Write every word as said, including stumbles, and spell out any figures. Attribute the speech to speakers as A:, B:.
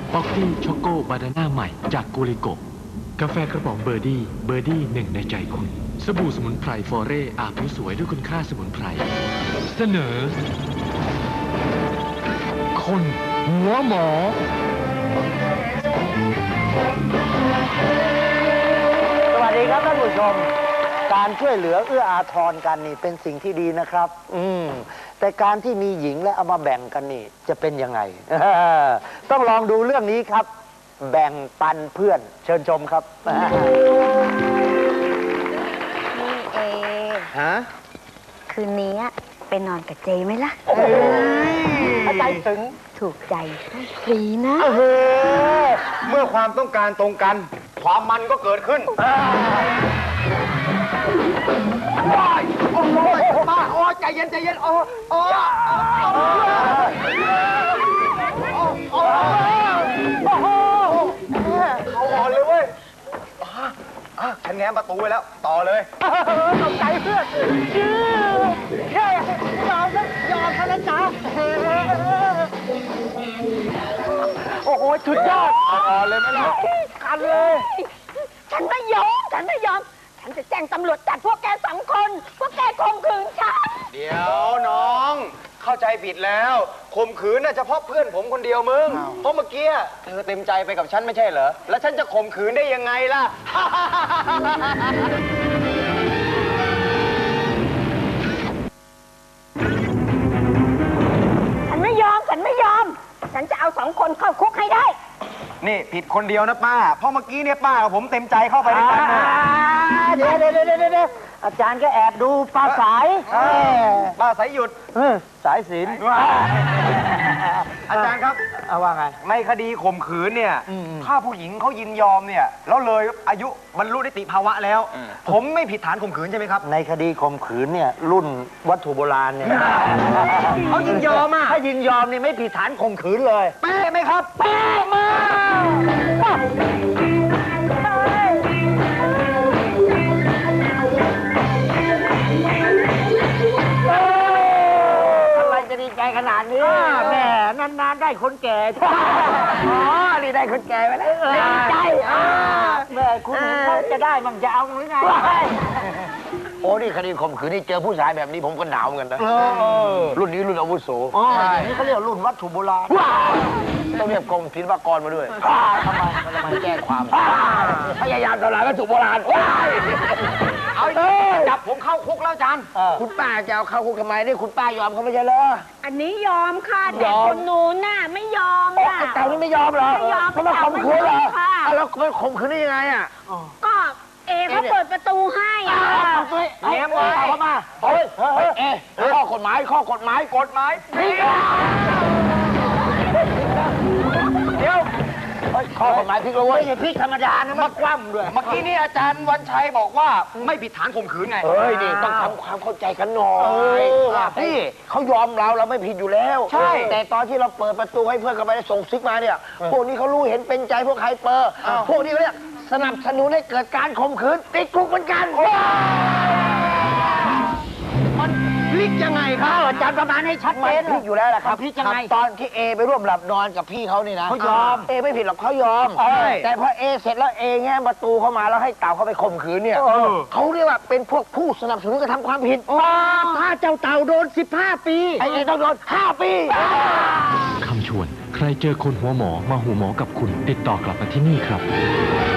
A: ป๊อกกี้ช็อกโกบานาน่าใหม่จากกูริโกกาแฟกระป๋องเบอร์ดี้เบอร์ดี้หนึ่งในใจคุณสบู่สมุนไพรฟอเร่อาบผิวสวยด้วยคุณค่าสมุนไพรเสนอคนหัวหมอ
B: สวัสดีครับท่านผู้ชมการช่วยเหลือเอื้ออาทรกันนี่เป็นสิ่งที่ดีนะครับอืมแต่การที่มีหญิงและเอามาแบ่งกันนี่จะเป็นยังไง ต้องลองดูเรื่องนี้ครับแบ่งปันเพื่อนเชิญชมครับ
C: นี่เอ
B: ฮะ
C: คืนนี้ไปนอนกับเจไหมล่ะ
B: ใจถึง
C: ถูกใจให้ฟรีนะ
D: เมื่อความต้องการตรงกัน ความมันก็เกิดขึ้นว้ายโอ้ยป้าโอ้ยใจเย็นใจเย็นโอ้โอ้โอ้เอาอ่อนเลยเว้ยฉันแง้มประตูไว้แล้วต่อเลย
B: ตกใจเพื่อนแค่ยอมนะยอมเท่านั้นจ้าโอ้โหสุดยอด
D: อ่อนเลยไหมล่ะ
B: กันเลย
C: ฉันไม่ยอม ฉันไม่ยอม ฉันจะแจ้งตำรวจจับพวกแกสองคน พวกแกข่มขืนฉัน
D: เดี๋ยวน้องเข้าใจผิดแล้วข่มขืนน่ะเฉพาะเพื่อนผมคนเดียวมึงเพราะเมื่อกี้เธอเต็มใจไปกับฉันไม่ใช่เหรอแล้วฉันจะข่มขืนได้ยังไงล่ะ
C: ฉันไม่ยอม ฉันไม่ยอม ฉันจะเอาสองคนเข้าคุกให้ได้
D: นี่ผิดคนเดียวนะป้าเพราะเมื่อกี้เนี่ยป้ากับผมเต็มใจเข้าไปด้วยกันนะ
B: เดี๋ยวเดี๋ยวเดี๋ยวเดี๋ยวอาจารย์ก็แอบดูปลาสายเออ
D: ป้าสายหยุด
B: เออสายศีล
D: อาจารย์ครับ
B: เอาว่าไง
D: ในคดีข่มขืนเนี่ย
B: อืม
D: ถ้าผู้หญิงเขายินยอมเนี่ยแล้วเลยอายุบรรลุนิติภาวะแล้ว ผมไม่ผิดฐานข่มขืนใช่ไหมครับ
B: ในคดีข่มขืนเนี่ยรุ่นวัตถุโบราณเนี่ย
D: เขายินยอมอ่ะ
B: ถ้ายินยอมนี่ไม่ผิดฐานข่มขืนเลย
D: เป๊ะไหมครับเป๊ะมาก
B: อะไรจะดีใจขนาดนี้แหมนานๆได้คนแก่ อ๋อนี่ได้คนแก่ไปแล้วดีใจแม่คุณเห็นเขาจะได้มั่งจะเอาหรือไงโอ้นี่คดีข่มขืนนี่เจอผู้ชายแบบนี้ผมก็หนาวเหมือนกันนะรุ่นนี้รุ่นอาวุโสใช่นี่เขาเรียกรุ่นวัตถุโบราณต้องเรียกกรมศิลปากรมาด้วยทำไมมันจะมาแก้ความพยายามทำลายวัตถุโบราณ
D: เอาจับผมเข้าคุกแล้วอาจารย์
B: คุณป้าจะเอาเข้าคุกทำไมนี่คุณป้ายอมเขาไม่ใช่เหรอ
C: อันนี้ยอมค่ะแต่คนนู้นน่ะไม่ยอมน่ะ
B: เต่านี่ไม่ยอมเหรอ
C: ไม่ยอม
B: เขามาข่มขืนเหรอ
C: ค่ะ
B: แล้วไปข่มขืนได้ยังไงอ่ะ
C: ก็เอเขาเปิดประตูให้อ่ะ
B: เฮ้ยเต่าเข้ามาเฮ้ยเฮ้ยเอ๊ะข้อกฎหมายข้อกฎหมายกฎหมายเดี๋ยวข้อกฎหมายพลิกเลยเว้ยพลิกธรรมดานะมันคว่ำด้วย
D: เมื่อกี้นี่อาจารย์วันชัยบอกว่าไม่ผิดฐานข่มขืนไง
B: เฮ้ยนี่ต้องทำความเข้าใจกันหน่อยว่าพี่เขายอมเราเราไม่ผิดอยู่แล้วใช่แต่ตอนที่เราเปิดประตูให้เพื่อนเข้าไปส่งซิกมาเนี่ยพวกนี้เขารู้เห็นเป็นใจพวกไฮเปอร์พวกนี้เขาเรียกสนับสนุนให้เกิดการข่มขืนติดคุกเหมือนกัน
D: มันพลิกยังไงครับ
B: อาจารย์ประมาณให้ชัดเจนพลิกอยู่แล้วแหละครับพลิกยังไงตอนที่เอไปร่วมหลับนอนกับพี่เขานี่นะเขายอมเอไม่ผิดหรอกเขายอมแต่พอเอเสร็จแล้วเอแง้มประตูเข้ามาแล้วให้เต่าเข้าไปข่มขืนเนี่ยเขาเรียกว่าเป็นพวกผู้สนับสนุนกระทำความผิดถ้าเจ้าเต่าโดนสิบห้าปีไอ้เอต้องโดนห้าปี
A: คำชวนใครเจอคนหัวหมอมาหูหมอกับคุณติดต่อกลับมาที่นี่ครับ